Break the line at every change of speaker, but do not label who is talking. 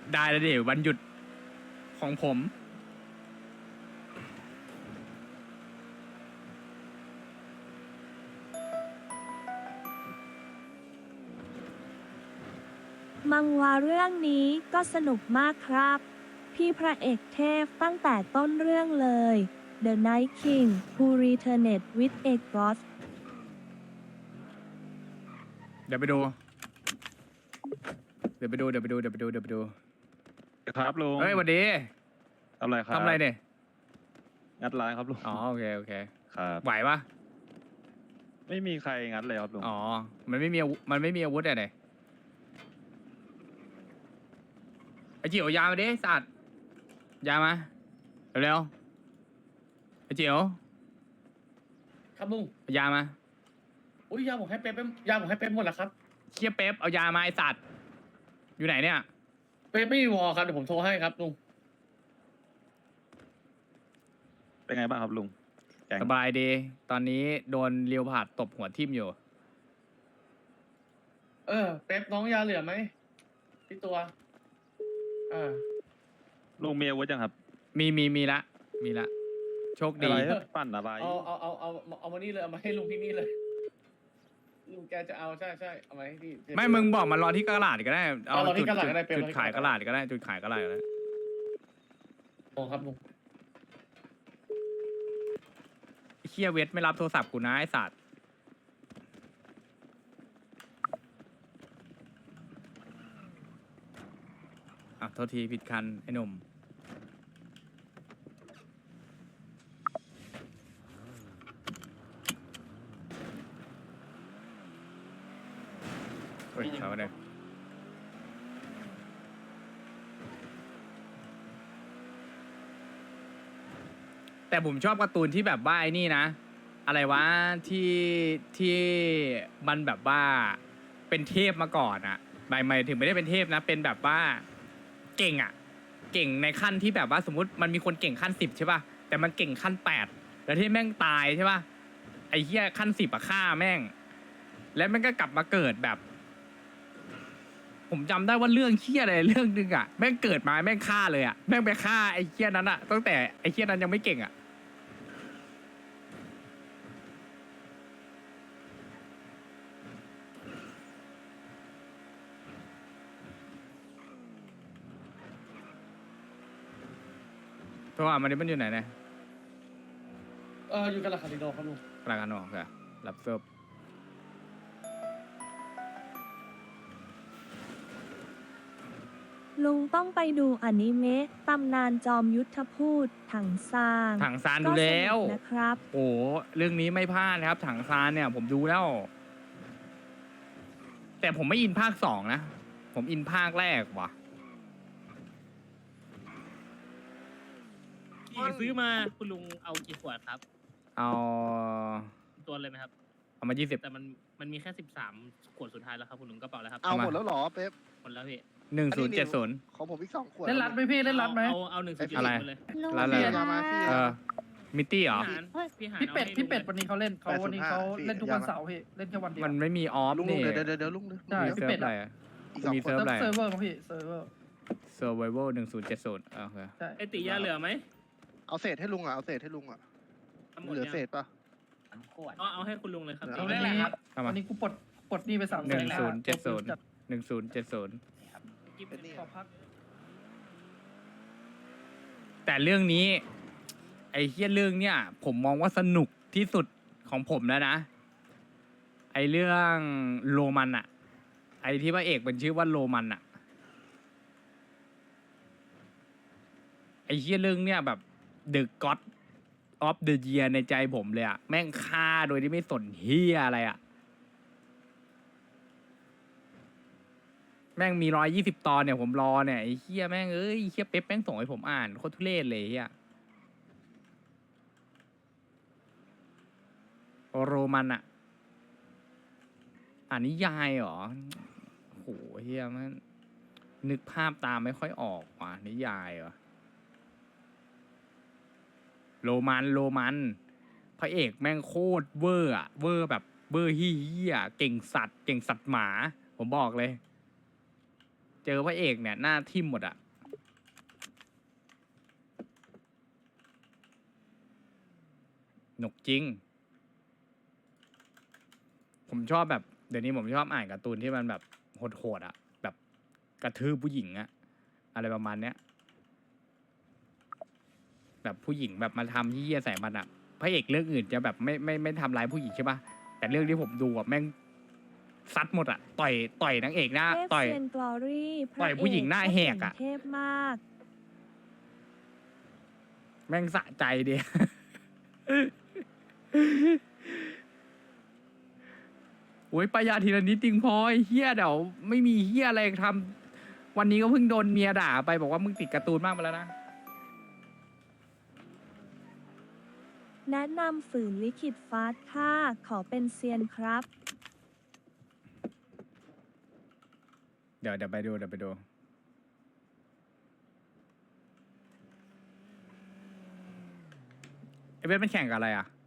ได้แล้วดิวันหยุดของผม
มังวาเรื่องนี้ก็สนุกมากครับ พี่พระเอกเทพตั้งแต่ต้นเรื่องเลย The Night King Who Returned with a Ghost
เดี๋ยวไปดู เดี๋ยวไปดู
ครับลุง
เฮ้ยสวัสดี
ทำอะไรครับ
ทำอะไรเนี่ย
งัดร้านครับลุง
อ๋อโอเค
ครับ
ไหวปะ
ไม่มีใครงัดเลยครับลุง
อ๋อมันไม่มีอาวุธอะเนี่ยไอจิ๋วยามาดิสัตว์ยามาเร็วๆไอจิ๋ว
ครับลุง
เอายามา
อุ้ยยาผมให้เป๊ปยาผมให้เป๊ปหมดแล้วครับ
เคียเป๊ปเอายามาไอสัตว์อยู่ไหนเนี่ย
เป๊ปไม่มีวอลครับเดี๋ยวผมโทรให้ครับลุง
เป็นไงบ้างครับลุงแกง
สบายดี ตอนนี้โดนเลียวผาดตบหัวทิ่มอยู่
เป๊ปน้องยาเหลือไหมพี่ตัว
ลุงมีอาวุธยังครับ
มีละโชคดี
อะไรปั่นอะไร
เอามานี่เลยเอามาให้ลุงที่นี่เลยลุงแกจะเอาใช่เอามาให้พี่
ไม่มึงบอกมารอที่กระดาษก็ได้
รอที่กระดาษก็ได้เป็น
จุดขายกระดาษก็ได้จุดขายกระดาษก็ได้
โอ้ครับลุง
ไอ้เคียเวทไม่รับโทรศัพท์กูนะไอสัตว์อ่ะโทษทีผิดคันไอ้หนุ่มเฮ้ยเอาไปเลยแต่ผมชอบการ์ตูนที่แบบว่าไอ้นี่นะ อะไรวะที่มันแบบว่าเป็นเทพมาก่อนอะหมายถึงไม่ได้เป็นเทพนะ เป็นแบบว่าเก่งอะเก่งในขั้นที่แบบว่าสมมติมันมีคนเก่งขั้น10ใช่ป่ะแต่มันเก่งขั้น8แล้วที่แม่งตายใช่ป่ะไอ้เหี้ยขั้น10อะฆ่าแม่ง แล้วมันก็กลับมาเกิดแบบ ผมจำได้ว่าเรื่องเหี้ยอะไรเรื่องนึงอะแม่งเกิดมาแม่งฆ่าเลยอะแม่งไปฆ่าไอ้เหี้ยนั้นอะตั้งแต่ไอ้เหี้ยนั้นยังไม่เก่งอะเพราะว่ามันอยู่ไหนเนี่ย
อยู่กันละคาริโดครับลุง
กลางกันออกค่ะรับเซิร์ฟ
ลุงต้องไปดูอนิเมะตำนานจอมยุทธพูดถังซาง
ถังซานดูแล้ว
ก็สนุกนะครับ
โอ้เรื่องนี้ไม่พลาดครับ ถังซานเนี่ย ผมดูแล้ว แต่ผมไม่อินภาค2นะ ผมอินภาคแรกว่ะ
กี่ซื้อมาคุณลุงเอากี่ขวดครับ
เอา
ตัวเลยไหมครับ
เอามา20
แต่มันมีแค่13ขวดสุดท้ายแล้วครับคุณลุงกระเป๋าแล้วครับ
เอาหมดแล้วเหรอเป๊ป
หมดแล้วพี่
1070
ของผมอีก2 ขวด
เล่นรัดไหมพี่เล่นรัดไหม
เอา1.7
อะไร
เลย
แล้วอะไร
พี่ยามาพี่
มิตตี้เหรอ
พี่หาร
พี่เป็ดวันนี้เขาเล่นเขาวันนี้เขา
805
เล่นทุกวันเสาร์พี่เล่นแค่วันเดียว
มันไม่มีออฟ
ลุง
นี่
เดี๋ยวลุง
ได้
มี
พี่
เซิร์
เป็
ฟ
ด
อะไร
อะ
อะ
อีก2
มี
ขว
เซิ
ด
ร์ฟอะไร
เซิร์ฟเวอร์มั้งพี่เซิร์ฟเวอร์
Survival 1070โอเค
ใช่
ไอติยาเหลือไหม
เอาเศษให้ลุงอ่ะเอาเศษให้ลุงอ่ะ
หมด
เหลือ
ยัง
เศษป่ะ
เอาให้คุณลุงเลยครับ
เอา
วันนี้
เอามา
วันนี้กูปลดหนี้ไป3
1070
กิ๊บ
เป็นนี่
ขอพัก
แต่เรื่องนี้ ไอ้เฮี้ยเรื่องเนี่ย ผมมองว่าสนุกที่สุดของผมแล้วนะ ไอ้เรื่องโรมันอะไอ้ที่พระเอกมันชื่อว่าโรมันอะไอ้เฮี้ยเรื่องเนี่ยแบบ The God of the Year ในใจผมเลยอะแม่งฆ่าโดยที่ไม่สนเฮี้ยอะไรอะแม่งมี120 ตอนเนี่ยผมรอเนี่ยไอ้เฮี้ยแม่งเอ้ยเฮี้ยเป๊ปแม่งส่งให้ผมอ่านโคตรทุเรศเลยเฮี้ยโรมันอะอ่านนิยายเหรอโหเฮียมันนึกภาพตามไม่ค่อยออกว่ะนิยายเหรอโรมันพระเอกแม่งโคตรเวอร์อะเวอร์แบบเวอร์เฮี้ยเก่งสัตว์หมา ผมบอกเลยเจอพระเอกเนี่ยหน้าทิ่มหมดอะหนุกจริง ผมชอบแบบเดี๋ยวนี้ผมชอบอ่านการ์ตูนที่มันแบบโหดๆอะแบบกระทืบผู้หญิงอะอะไรประมาณเนี้ยแบบผู้หญิงแบบมาทำที่เหี้ยใส่มันอะพระเอกเรื่องอื่นจะแบบไม่ทำร้ายผู้หญิงใช่ปะแต่เรื่องที่ผมดูอะแม่งซัดหมดอะต่อยนางเอกหน้า
เทพ
ต่อย
เซียนกลอรี่พ
ต่
ระ
อย
เอก
ผู้หญิงหน้าแหกอะ
เทพมาก
แม่งสะใจเดีย โอ้ยประหยัดทีละนิดจริงพอไอ้เฮียเดี๋ยวไม่มีเฮียอะไรทำวันนี้ก็เพิ่งโดนเมียด่าไปบอกว่ามึงติดการ์ตูนมากไปแล้วนะ
แนะนำฝืนลิขิตฟาสค่ะ ขอเป็นเซียนครับ
เดี๋ยวไปดูไอเวทมันแข่งกับอะไรอ่ะ